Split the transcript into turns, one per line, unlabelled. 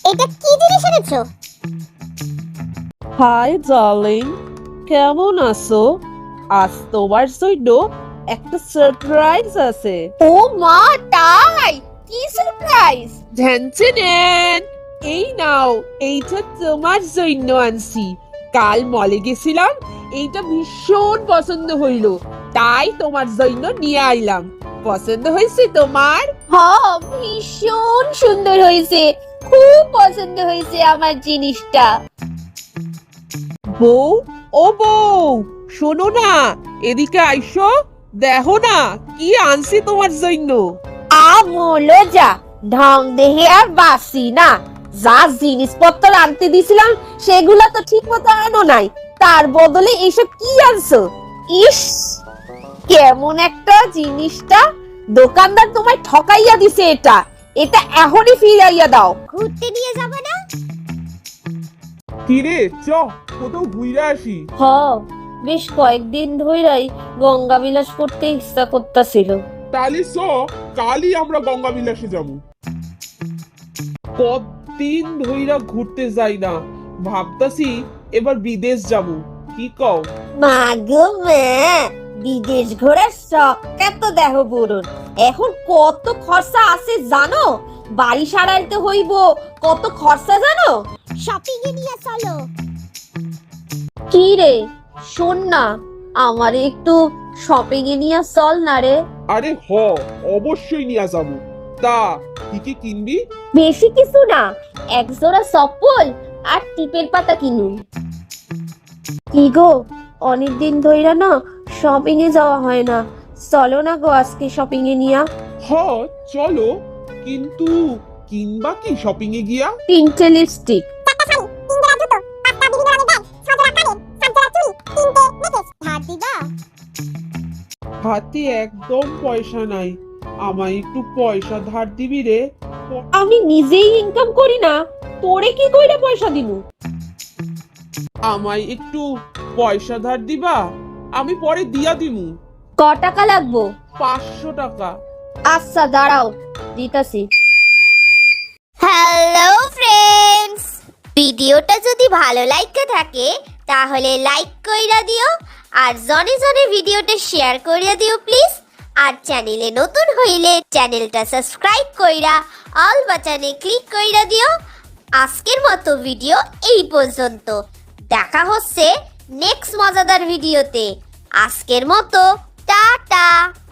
এটা কি জিনিস এনেছো?
হাই ডার্লিং, কেমন আছো? আজ তোমার জন্য একটা সারপ্রাইজ আছে।
ও মা, তাই? কি সারপ্রাইজ?
ঝ্যানচেনেন, এই নাও, এইটা তোমার জন্য আনছি। কাল মলে গেছিলাম, এইটা ভীষণ পছন্দ হইল, তাই তোমার জন্য নিয়ে আইলাম। পছন্দ হয়েছে তোমার?
হ্যাঁ, ভীষণ সুন্দর হয়েছে, খুব পছন্দ হয়েছে আমার জিনিসটা।
বউ, ও বউ, শোনো না, এদিকে আইসো, দেখো না কি আনছি তোমার জন্য।
আমলো যা, ঢং দেখে আর বাসি না। যা জিনিসপত্র আনতে দিছিলাম সেগুলো তো ঠিক মতো আনো নাই, তার বদলে এসব কি আনছো? ইস, কেমন একটা জিনিসটা! দোকানদার তোমায় ঠকাইয়া দিছে। এটা এটা এখনই ফিরাইয়া দাও।
ঘুরতে নিয়ে যাবে না?
কিরে চ কোথাও ঘুরে আসি।
হ, বেশ কয়েকদিন ধইরাই গঙ্গা বিলাস করতে ইচ্ছা করতেছিল।
তাহলে চ কালই আমরা গঙ্গা বিলাসে যাবো।
কতদিন ধইরা ঘুরতে যাই না, ভাবতাছি এবার বিদেশ যাব, কি কও?
মা গো মা, বিদেশ ঘোরার শখটা তো দেখো বুড়োর। এখন কত খরচা আছে জানো? বাড়ি সারাইতে হইব, কত খরচা জানো?
শপিং এ নিয়ে চলো।
কি রে, শোন না, আমারে একটু শপিং এ নিয়ে চল না রে।
আরে অবশ্যই নিয়ে যাবো। তা কি কি কিনবি?
বেশি কিছু না, এক জোড়া চপ্পল আর টিপের পাতা কিনুন। কি গো, অনেকদিন ধইরা না শপিং এ যাওয়া হয় না, চলো না গো আজকে শপিং এ নিয়া।
চলো, কিন্তু কিনবা কি শপিং এ গিয়া?
3টে লিপস্টিক।
ধার দিবা?
হাতে একদম পয়সা নাই, আমায় একটু পয়সা ধার দিবি রে।
আমি নিজেই ইনকাম করি না, তোরে কি কইরা পয়সা দিমু?
আমায় একটু পয়সা ধার দিবা, আমি পরে দিয়া দিমু।
ক টাকা লাগবো?
500 টাকা।
আচ্ছা দাঁড়াও, দিতাছি।
হ্যালো ফ্রেন্ডস, ভিডিওটা যদি ভালো লাগতে থাকে তাহলে লাইক কইরা দিও, আর জনে জনে ভিডিওটা শেয়ার কইরা দিও প্লিজ। আর চ্যানেলে নতুন হইলে চ্যানেলটা সাবস্ক্রাইব কইরা অল বাটনে ক্লিক কইরা দিও। আজকের মতো ভিডিও এই পর্যন্ত, দেখা হচ্ছে নেক্সট মজাদার ভিডিওতে। আজকের মতো টাটা।